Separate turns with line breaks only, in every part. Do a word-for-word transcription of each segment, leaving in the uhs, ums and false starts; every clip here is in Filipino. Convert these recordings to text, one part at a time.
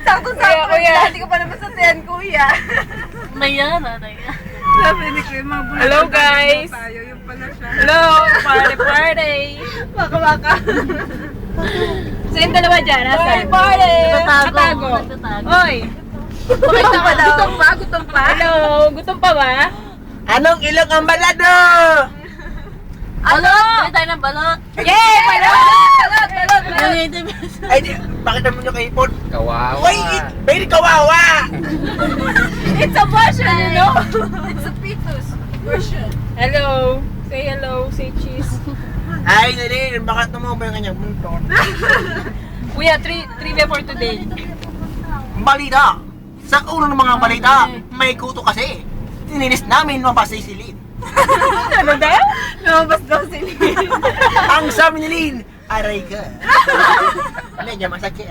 Sakto-sakto. Kuya, hindi ko pa naman sa tiyan, kuya.
Naya na, naya.
Sabi ni Kuya, mga bulat.
Hello, guys.
Tayo, yung pala siya.
Hello! Party, party!
Baka-baka.
So yung dalawa dyan,
Party,
nasan?
party.
Nagtatago.
Nagtatago.
Nagtatago.
Oy!
Gutom pa daw. Gutom pa, gutom pa.
Hello! Gutom pa ba?
Anong ilong ang balado?
Balot! Bili tayo ng balot.
Yay! Balot!
Balot, balot, balot.
Native.
Ay, di, bakit naman yung kaipon?
Kawawa.
Uy, very kawawa!
It's a version, you know?
It's a fetus version.
Hello! Say hello, say cheese.
Ay, Nalin, bakit naman ba yung kanyang munton?
Kuya, tri trivia for today.
Balita! Sa ulo ng mga balita, may kuto kasi. Tininis namin mapasisilin.
Ano daw?
Lumabas daw si Lynn.
Ang sabi ni Lin, aray ka. Ano niya, masakit.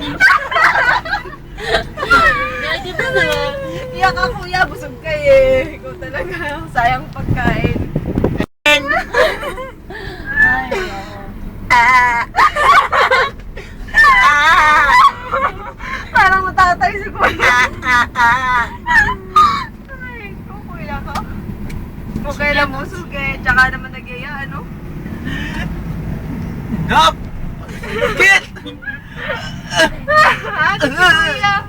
Native na naman.
Iyak ka, kuya. Busog ka eh. Ikaw talaga. Sayang pagkain.
Ay,
Ah! Ah!
Parang matatay si kuya.
Ah! Ah! Ah!
Ay, ikaw, kuya ka. Okay lang mo, suge. Tsaka naman nag-iya, ano?
Hop! Kit!
Ah, kuya.